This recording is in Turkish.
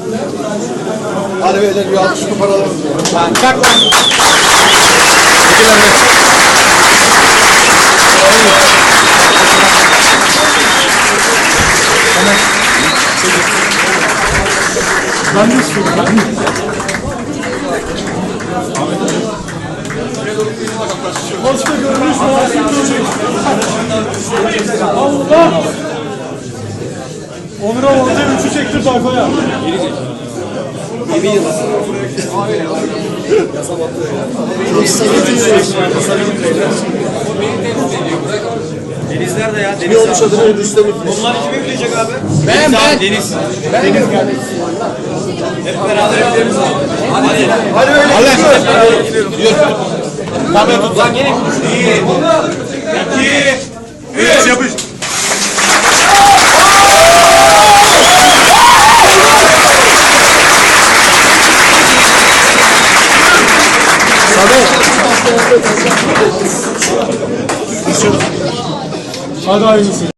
Hadi beyler bir alkış koparalım. Kalk lan. Ben de istiyorum. Başka görünüş Allah! Onur'a orada 3'ü çektir tayfaya. Deniz nerede ya? Ne Deniz olmuş adını Rüstem İkmiş. Bunlar kime yükleyecek abi? Ben. Deniz. Hep beraber yapıyoruz. Hadi. Hadi öyle gidiyoruz. Tabii tut lan gelin. 1, 2, 3 yapış. Hadi aynısı.